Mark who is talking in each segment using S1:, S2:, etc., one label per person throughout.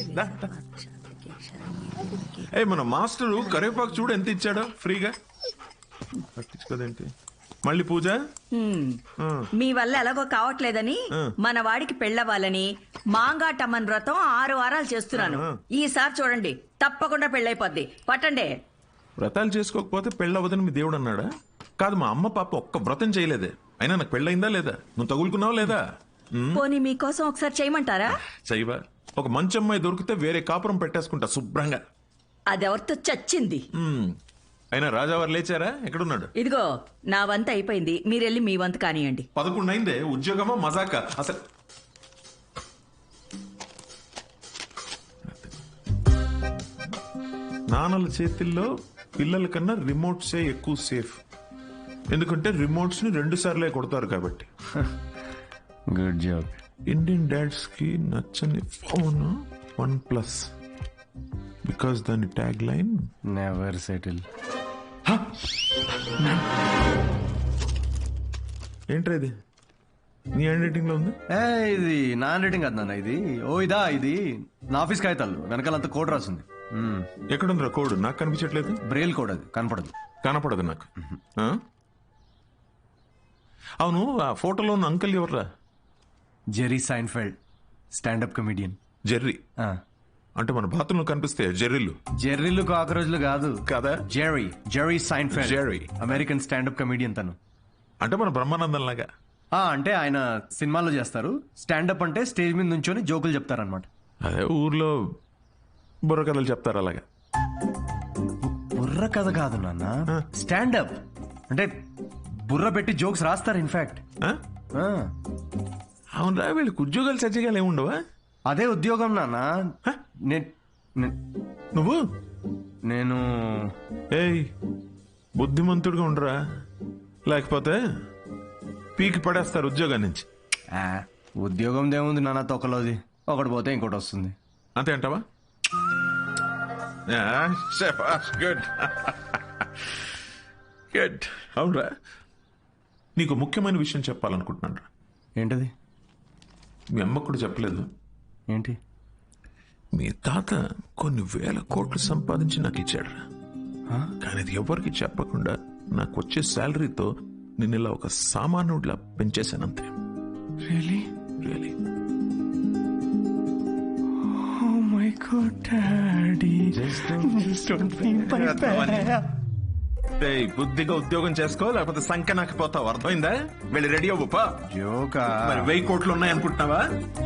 S1: దా, దా. ఏ మన మాస్టరు కరివేపాకు చూడు ఎంత ఇచ్చాడో ఫ్రీగా. పట్టించుకోదేంటి మళ్ళీ పూజ.
S2: మీ వల్ల ఎలాగో కావట్లేదని మన వాడికి పెళ్ళవ్వాలని మాంగాటమ్మన్ వ్రతం 6 వారాలు చేస్తున్నాను. ఈసారి చూడండి తప్పకుండా పెళ్ళైపోద్ది. పట్టండి.
S1: వ్రతాలు చేసుకోకపోతే పెళ్ళవదని మీ దేవుడు అన్నాడా? కాదు, మా అమ్మ పాప ఒక్క వ్రతం చేయలేదే. అయినా నాకు పెళ్ళయిందా లేదా? నువ్వు తగులుకున్నావు లేదా?
S2: పోనీ మీకోసం ఒకసారి చేయమంటారా?
S1: చేయవా? ఒక మంచి అమ్మాయి దొరికితే వేరే కాపురం పెట్టేసుకుంటా శుభ్రంగా.
S2: అదెవరితో చచ్చింది.
S1: అయినా రాజావారు లేచారా? ఎక్కడున్నాడు?
S2: ఇదిగో నా వంత అయిపోయింది, మీరెళ్ళి మీ వంత కానియండి.
S1: 11 అయిందే. ఉద్యోగమా మజాక అసలు? నాన్నల చేతిల్లో పిల్లల కన్నా రిమోట్సే ఎక్కువ సేఫ్. ఎందుకంటే రిమోట్స్ ని 2 సార్లే కొడతారు కాబట్టి.
S3: Good job.
S1: ఇండియన్ డాడ్స్ కి నచ్చని ఫోన్ OnePlus. బికాస్ దాని ట్యాగ్ లైన్
S3: నెవర్ సెటిల్.
S1: ఏంట్రా ఇది? నీ హ్యాండ్ రైటింగ్ లో ఉంది.
S3: ఇది నా హ్యాండ్ రైటింగ్ కాదు నాన్న, ఇది ఇది నా ఆఫీస్ కాగితాలు వెనకాలంతా కోడ్ రాసింది.
S1: ఎక్కడుందిరా కోడ్? నాకు కనిపించట్లేదు.
S3: బ్రెయిల్ కోడ్, అది
S1: కనపడదు నాకు. అవును, ఆ ఫోటోలో ఉన్న అంకుల్ ఎవర్రా?
S3: Jerry Seinfeld, standup comedian.
S1: Jerry అంటే మన బాత్రూంలో కనిపిస్తే జెర్రీలు.
S3: జెర్రీలు కాకరోజులు కాదు
S1: కదా.
S3: Jerry Seinfeld,
S1: Jerry
S3: American standup comedian తను.
S1: అంటే మన బ్రహ్మానందం లాగా.
S3: అంటే ఆయన సినిమాలో చేస్తారు. స్టాండప్ అంటే స్టేజ్ మీద నుంచొని జోకులు చెప్తారనమాట.
S1: అదే ఊర్లో బుర్ర కథలు చెప్తారు అలాగా.
S3: బుర్ర కథ కాదు నాన్న, స్టాండప్ అంటే బుర్ర పెట్టి జోక్స్ రాస్తారు. ఇన్ఫాక్ట్
S1: అవునరా, వీళ్ళకి ఉద్యోగాలు సజ్జగాలు ఏముండవా?
S3: అదే ఉద్యోగం నాన్న.
S1: నువ్వు
S3: నేను
S1: ఏయ్ బుద్ధిమంతుడిగా ఉండరా, లేకపోతే పీకి పడేస్తారు ఉద్యోగం నుంచి.
S3: ఉద్యోగం దేముంది నాన్న, తొక్కలోది. ఒకటి పోతే ఇంకోటి వస్తుంది.
S1: అంతే అంటావా? Good good. అవునరా, నీకు ముఖ్యమైన విషయం చెప్పాలనుకుంటున్నాను రా.
S3: ఏంటది?
S1: మీ అమ్మ కూడా చెప్పలేదు.
S3: ఏంటి?
S1: మీ తాత కొన్ని వేల కోట్లు సంపాదించి నాకు ఇచ్చాడు. కానీ అది ఎవరికి చెప్పకుండా నాకు వచ్చే శాలరీతో నేను ఇలా ఒక సామాన్యుడిలా పెంచేశానంతే.
S3: Really
S1: really.
S3: Oh my God daddy,
S1: బుద్ధిగా ఉద్యోగం చేసుకో, లేకపోతే సంఖ్య నాకు పోతావు. అర్థమైందా? వెళ్ళి రెడీ అవ్వపా.
S3: జోకా?
S1: మరి 1000 కోట్లు ఉన్నాయనుకుంటున్నావా?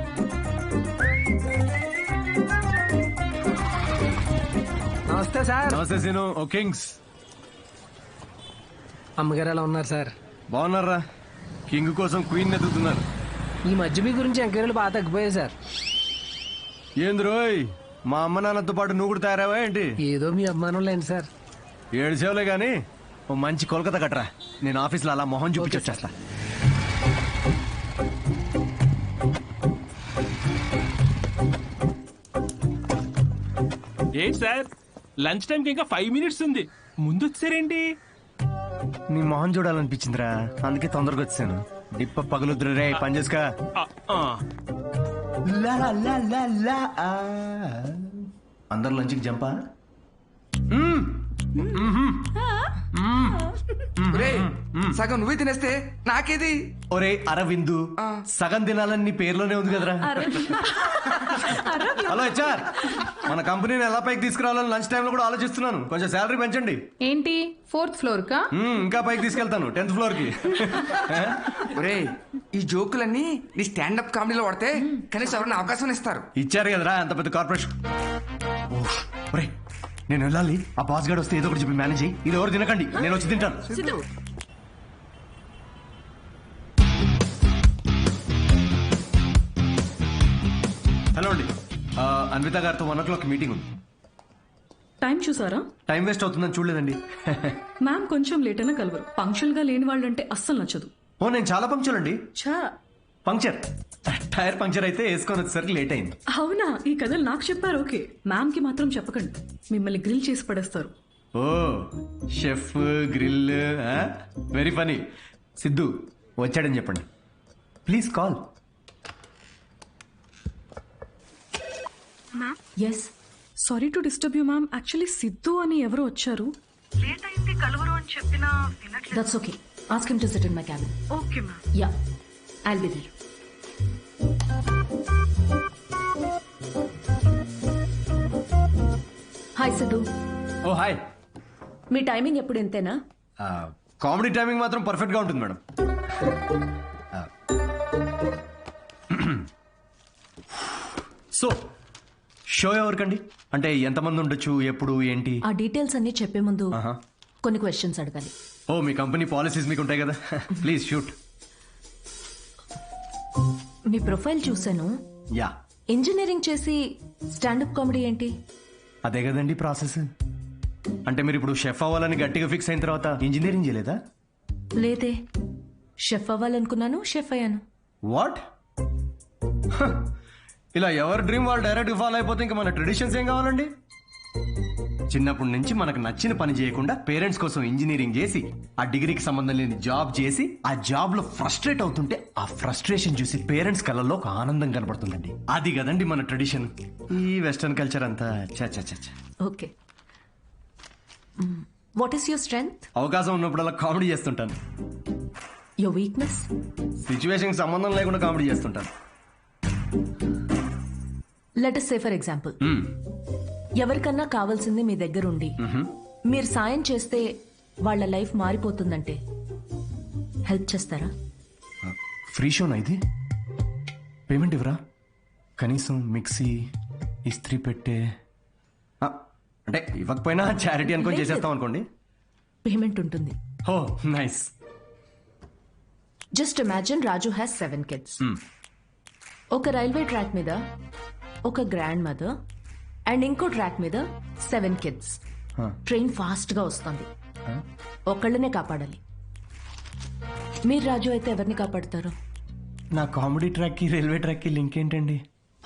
S4: నమస్తే సార్.
S3: నమస్తే సీను. ఓ కింగ్స్.
S4: అమ్మగారు ఎలా ఉన్నారు సార్?
S3: బాగున్నారా? కింగ్ కోసం క్వీన్ ఎదుగుతున్నారు.
S4: ఈ మధ్య మీ గురించి ఎంక్వైరీలు బాగా తగ్గిపోయాయి సార్.
S3: ఏంది రోయ్, మా అమ్మ నాన్నతో పాటు నువ్వు కూడా తయారావా ఏంటి?
S4: ఏదో మీ అభిమానం లేండి సార్.
S3: 7 సేవలే గానీ ఓ మంచి కోల్కతా కట్టరా, నేను ఆఫీస్లో అలా మొహం చూపించొచ్చేస్తా.
S5: ఏంటి సార్, లంచ్ టైంకి ఇంకా 5 మినిట్స్ ఉంది, ముందు వచ్చారేంటి?
S3: నీ మొహం చూడాలనిపించిందిరా, అందుకే తొందరగా వచ్చాను. డిప్ప పగులుద్దురు రే, పని చేసుకా. అందరు లంచ్కి జంపా.
S6: సగం నువ్వే తినేస్తే నాకేది?
S3: ఒరే అరవిందు, సగం తినాలని నీ పేర్లోనే ఉంది కదరా. హలో హెచ్ఆర్, మన కంపెనీని ఎలా పైకి తీసుకురావాలని లంచ్ టైంలో కూడా ఆలోచిస్తున్నాను. కొంచెం శాలరీ పెంచండి.
S7: ఏంటి 4th ఫ్లోర్ కా?
S3: ఇంకా పైకి తీసుకెళ్తాను, 10th ఫ్లోర్ కి.
S6: ఒరే, ఈ జోకులన్నీ నీ స్టాండప్ కామెడీలో పడితే కనీసం ఎవరైనా అవకాశం ఇస్తారు.
S3: ఇచ్చారు కదరా అంత పెద్ద కార్పొరేషన్. ఒరే నేను వెళ్ళాలి, ఆ బాస్ గార్డ్ వస్తే ఏదో ఒకటి చెప్పి మేనేజ్ అయ్యి. ఇది ఎవరు తినకండి, నేను వచ్చి తింటాను. హలో అండి, అన్విత గారితో 1 o'clock మీటింగ్ ఉంది.
S8: టైం చూసారా?
S3: టైం వేస్ట్ అవుతుందని చూడలేదండి.
S8: మ్యామ్ కొంచెం లేట్ అయినా కలవరు. పంక్చువల్ గా లేని వాళ్ళంటే అస్సలు నచ్చదు.
S3: ఓ నేను చాలా పంక్చువల్ అండి.
S8: ఛా,
S3: పంక్చర్ టైర్ పంక్చర్ అయితే వేసుకొని వచ్చేసరికి లేట్ అయింది.
S8: అవునా? ఈ కథలు నాకు చెప్పారు. ఓకే, మ్యామ్ కి మాత్రం చెప్పకండి, మిమ్మల్ని గ్రిల్ చేసి పడేస్తారు.
S3: Oh chef grill, very funny. Siddhu వచ్చాడని చెప్పండి please. Call.
S9: Ma'am
S7: yes.
S8: Sorry to disturb you ma'am. Actually Siddhu అని ఎవరు వచ్చారు. లేట్ అయింది కలవరు అని చెప్పినా వినట్లేదు.
S7: That's okay. Ask him to sit in my cabin.
S8: Okay ma'am.
S7: Yeah, I'll be there. Hi Siddhu.
S3: Oh hi.
S7: మీ టైమింగ్ ఎప్పుడు ఇంతేనా?
S3: కామెడీ టైమింగ్ మాత్రం పర్ఫెక్ట్గా ఉంటుంది మేడం. సో షో ఎవరికండి? అంటే ఎంతమంది ఉండొచ్చు, ఎప్పుడు, ఏంటి?
S7: ఆ డీటెయిల్స్ అన్ని చెప్పే ముందు
S3: ఆహా.
S7: కొన్ని క్వశ్చన్స్ అడగాలి.
S3: ఓ మీ కంపెనీ పాలసీస్ మీకు ఉంటాయి కదా. Please shoot.
S7: మీ ప్రొఫైల్ చూశాను.
S3: యా,
S7: ఇంజనీరింగ్ చేసి స్టాండప్ కామెడీ ఏంటి?
S3: అదే కదండి ప్రాసెస్. అంటే మీరు ఇప్పుడు షెఫ్ అవ్వాలని గట్టిగా ఫిక్స్ అయిన తర్వాత ఇంజనీరింగ్ చేయలేదా?
S7: లేదే, షెఫ్ అవ్వాలనుకున్నాను, షెఫ్ అయ్యాను.
S3: వాట్? ఇలా ఎవరి డ్రీమ్ వాళ్ళు డైరెక్ట్ ఫాలో అయిపోతే ఇంకా మన ట్రెడిషన్స్ ఏం కావాలండి? చిన్నప్పటి నుంచి మనకు నచ్చిన పని చేయకుండా పేరెంట్స్ కోసం ఇంజనీరింగ్ చేసి ఆ డిగ్రీకి సంబంధం లేని జాబ్ చేసి ఆ జాబ్ లో ఫ్రస్ట్రేట్ అవుతుంటే ఆ ఫ్రస్ట్రేషన్ చూసి పేరెంట్స్ కళ్ళల్లో ఒక ఆనందం కనబడుతుందండి. అది కదండి మన ట్రెడిషన్. ఈ వెస్టర్న్ కల్చర్ అంతా చ.
S7: Okay. What is your strength?
S3: అవకాశం ఉన్నప్పుడల్లా కామెడీ చేస్తుంటాను.
S7: Your weakness?
S3: సిచ్యువేషన్ సంబంధం లేకుండా కామెడీ చేస్తుంటాను.
S7: Let us say for example, ఎవరికన్నా కావాల్సింది మీ దగ్గర ఉండి మీరు సాయం చేస్తే వాళ్ళ లైఫ్ మారిపోతుందంటే హెల్ప్ చేస్తారా?
S3: ఫ్రీ షోనా ఇది? పేమెంట్ ఇవ్వరా? కనీసం మిక్సీ, ఇస్త్రీ పెట్టే, అంటే ఇవ్వకపోయినా చారిటీ అనుకొని చేసేస్తాం అనుకోండి.
S7: పేమెంట్ ఉంటుంది.
S3: Oh nice.
S7: Just imagine Raju has 7 kids. ఒక రైల్వే ట్రాక్ మీద ఒక గ్రాండ్ మదర్ అండ్ ఇంకో ట్రాక్ మీద 7 kids. ట్రైన్ ఫాస్ట్ గా వస్తుంది. ఒకళ్ళనే కాపాడాలి. మీరు రాజు అయితే ఎవరిని కాపాడతారు?
S3: నా కామెడీ ట్రాక్ కి రైల్వే ట్రాక్ కి లింక్ ఏంటండి?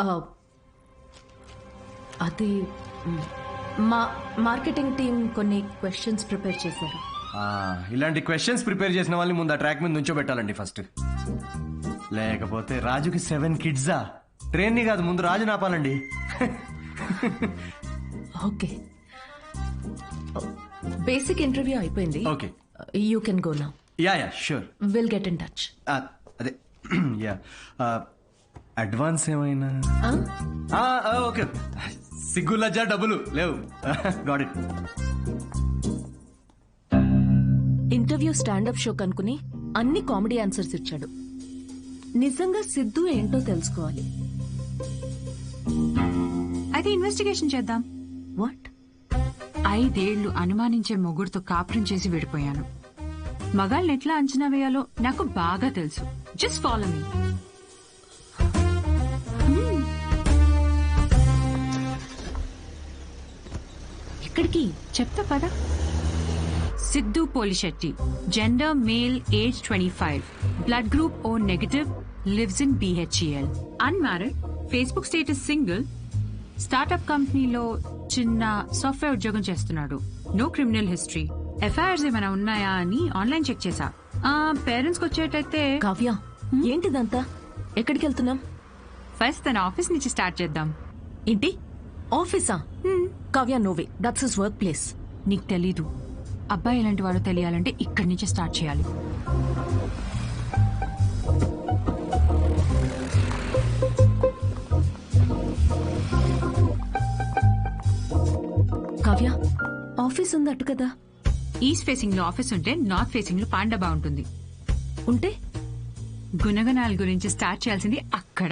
S7: అది మా మార్కెటింగ్ టీం కొన్ని క్వశ్చన్స్ ప్రిపేర్ చేశారు.
S3: ఇలాంటి క్వశ్చన్స్ ప్రిపేర్ చేసిన వాళ్ళని ముందు ఆ ట్రాక్ మీద నుంచోబెట్టాలండి ఫస్ట్. లేకపోతే రాజుకి 7 kids ట్రైన్ ని కాదు, ముందు రాజు నాపాలండి.
S7: ఓకే, బేసిక్ ఇంటర్వ్యూ అయిపోయింది.
S3: Okay,
S7: you can go now.
S3: Yeah sure.
S7: Will get in touch.
S3: అదే యా, అడ్వాన్స్ ఏమైనా? ఓకే, సిగ్గు లజ్జా డబ్బులు లేవు. Got it.
S7: Interview standup show కనుకుని అన్ని కామెడీ ఆన్సర్స్ ఇచ్చాడు. నిజంగా సిద్ధు ఏంటో తెలుసుకోవాలి.
S9: అయితే ఇన్వెస్టిగేషన్ చేద్దాం.
S7: వాట్?
S9: 5 ఏళ్లు అనుమానించే మొగుడుతో కాపురం చేసి విడిపోయాను. మగాళ్ళని ఎట్లా అంచనా వేయాలో నాకు బాగా తెలుసు. Just follow me.
S7: ఎక్కడికి?
S9: చెప్తా పదా. Siddhu Polishetty, gender male, age 25, blood group O negative, lives in BHEL, unmarried, Facebook status single, startup కంపెనీలో చిన్న సాఫ్ట్వేర్ ఉద్యోగం చేస్తున్నాడు. No criminal history. ఎఫ్ఐఆర్స్ ఏమైనా ఉన్నాయా అని ఆన్లైన్ చెక్ చేశా. పేరెంట్స్ కి వచ్చేటైతే.
S7: కావ్య, ఏంటిదంతా? ఎక్కడికి వెళ్తున్నాం?
S9: ఫస్ట్ తన ఆఫీస్ నుంచి స్టార్ట్ చేద్దాం.
S7: ఏంటి ఆఫీసా? Kavya, no way, that's his work place.
S9: నీకు తెలీదు. అబ్బాయి ఎలాంటి వాడో తెలియాలంటే ఇక్కడి నుంచి స్టార్ట్ చేయాలి.
S7: కావ్య, ఆఫీస్ ఉందట్టు కదా?
S9: ఈస్ట్ ఫేసింగ్ లో ఆఫీస్ ఉంటే నార్త్ ఫేసింగ్ లో పాండా బాగుంటుంది.
S7: ఉంటే
S9: గుణగణాల గురించి స్టార్ట్ చేయాల్సింది అక్కడ.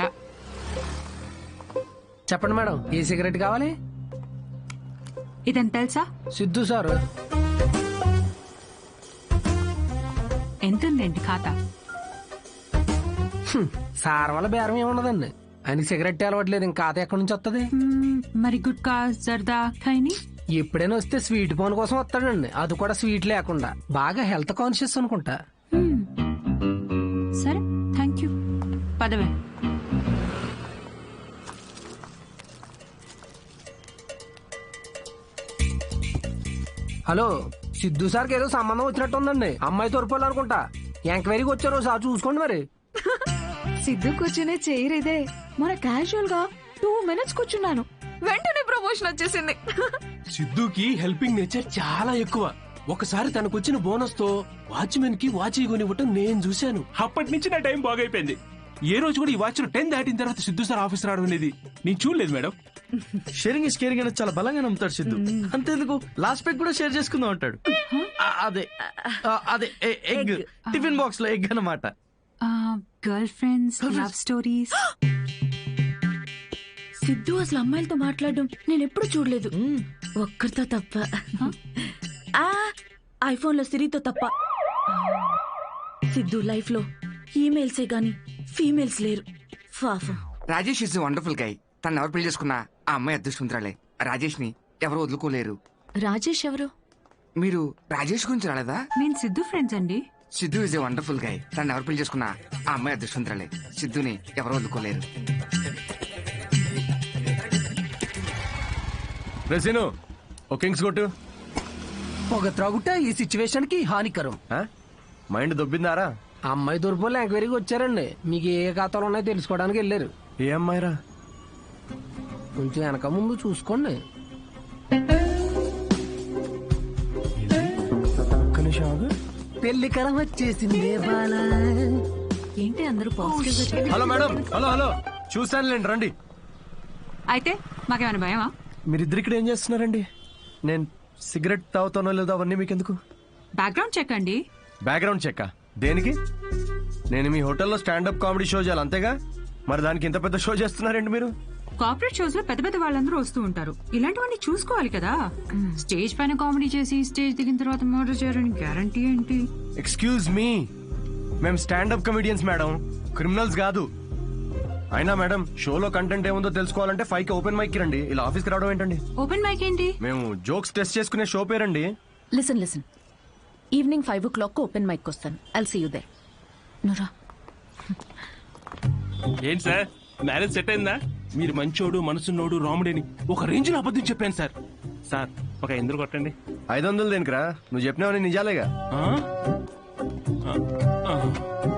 S4: చెప్పండి మేడం, ఏ సిగరెట్ కావాలి?
S9: ఇదని తెలుసా?
S4: సిద్ధు సార్.
S9: ఎంతుందండి ఖాతా?
S4: సార్ వల్ల బేరం ఏమున్నదండి. ఆయనకి సిగరెట్ అలవట్లేదు, ఇంకా ఖాతా ఎక్కడి నుంచి వస్తుంది?
S9: మరి గుట్కా, జర్దా, ఖైని?
S4: ఎప్పుడైనా వస్తే స్వీట్ పోన్ కోసం వస్తాడండి, అది కూడా స్వీట్ లేకుండా. బాగా హెల్త్ కాన్షియస్ అనుకుంటా.
S9: సరే, థ్యాంక్ యూ. పదవే.
S4: హలో, సిద్ధు సార్కి ఏదో సంబంధం వచ్చినట్టు ఉందండి. అమ్మాయి తోరుకోవాలనుకుంటా. ఎంక్వైరీకి వచ్చారు, సార్ చూసుకోండి మరి.
S10: సిద్ధు కూర్చునే చైర్ ఇదే. మన క్యాజువల్ గా 2 minutes కూర్చున్నాను, వెంటనే
S8: ప్రమోషన్ వచ్చేసింది.
S5: సిద్ధుకి హెల్పింగ్ నేచర్ చాలా ఎక్కువ. ఒకసారి తనకు వచ్చిన బోనస్ తో వాచ్మెన్ కి వాచ్ కొనివ్వటం నేను చూశాను. అప్పటి నుంచి నా టైం బాగైపోయింది. ఏ రోజు కూడా ఈ వాచ్ 10 దాటిన తర్వాత సిద్ధు సార్ ఆఫీస్ రావడం అనేది నేను చూడలేదు మేడం.
S10: షేరింగ్ ఇస్ కేరింగ్ అనేది చాలా బలంగా నమ్ముతాడు సిద్ధు. అంతేందుకు లాస్ట్ పెగ్ కూడా షేర్ చేసుకుందాం అంటాడు. అదే అదే ఎగ్, టిఫిన్ బాక్స్ లో ఎగ్ అన్నమాట.
S9: Girlfriends, love stories.
S7: Siddhu అసలు అమ్మాయిలతో మాట్లాడడం నేను ఎప్పుడు చూడలేదు, ఒక్కరితో తప్ప. ఐఫోన్ లో సిరితో తప్ప. సిద్ధు లైఫ్ లో ఈమెయిల్సే గాని ఫీమేల్స్ లేరు. పాపం.
S6: Rajesh is wonderful guy. తను ఎవరు పెళ్లి చేసుకున్నా ఆ అమ్మాయి అదృష్టవంతురాలే. రాజేష్ ని ఎవరు వదులుకోలేరు.
S7: రాజేష్ ఎవరు?
S6: మీరు రాజేష్ గురించి రాలేదా?
S9: నేను సిద్ధు ఫ్రెండ్స్ అండి.
S6: Siddhu is a wonderful guy. తను ఎవరు పెళ్లి చేసుకున్నా ఆ అమ్మాయి అదృష్టవంతురాలే. సిద్ధుని ఎవరు వదులుకోలేరు.
S3: రెసిను ఓ కింగ్స్ కొట్టు.
S4: పొగ త్రాగుట ఈ సిచ్యువేషన్ కి హానికరం.
S3: మైండ్ దొబ్బిందారా?
S4: అమ్మాయి తూర్పులో ఎంక్వైరీకి వచ్చారండి. మీకు ఏ ఖాతాలు ఉన్నాయో తెలుసుకోవడానికి వెళ్ళారు.
S3: ఏ అమ్మాయిరా?
S4: కొంచెం వెనక ముందు చూసుకోండి. పెళ్లి కరం వచ్చేసింది.
S7: ఏంటి అందరూ positive?
S3: Hello madam. Hello hello చూసానులేండి, రండి.
S9: అయితే మాకేమైనా భయమా?
S3: మీరిద్దరు ఇక్కడ ఏం చేస్తున్నారండి? నేను సిగరెట్ తాగుతానో లేదో అవన్నీ మీకెందుకు?
S9: బ్యాక్గ్రౌండ్ చెక్ అండి.
S3: బ్యాక్గ్రౌండ్ చెక్ దేనికి? నేను మీ హోటల్లో స్టాండప్ కామెడీ షో చేయాలి అంతేగా? మరి దానికి ఇంత పెద్ద షో చేస్తున్నారండి మీరు?
S9: కార్పొరేట్ షోస్ లో పెద్ద పెద్ద వాళ్ళందరూ వస్తూ ఉంటారు. ఇలాంటివన్నీ చూసుకోవాలి కదా. స్టేజ్ పైన కామెడీ చేసి స్టేజ్ దిగిన తర్వాత మర్డర్ చేయడానికి గ్యారంటీ ఏంటి?
S3: ఎక్స్క్యూజ్ మీ, మేము స్టాండప్ కమెడియన్స్ మేడం, క్రిమినల్స్ కాదు. అయినా మేడం, షోలో కంటెంట్ ఏముందో తెలుసుకోవాలంటే 5కి ఓపెన్ మైక్ రండి. ఇలా ఆఫీస్కి రావడం ఏంటండి?
S9: ఓపెన్ మైక్ ఏంటి?
S3: మేము జోక్స్ టెస్ట్ చేసుకునే షో పేరండి.
S7: Listen evening 5 o'clock open mic వస్తాను. I'll see you there. నురా
S5: ఏంటి సార్, మ్యారేజ్ సెట్ అయిందా? మీరు మంచోడు, మనసున్నోడు, రాముడని ఒక రేంజ్ లో అబద్ధం చెప్పాను సార్. సార్ ఒక ఎందుకు కొట్టండి.
S3: 500 దేనికిరా? నువ్వు చెప్పినావని నిజాలేగా.
S5: ఆ?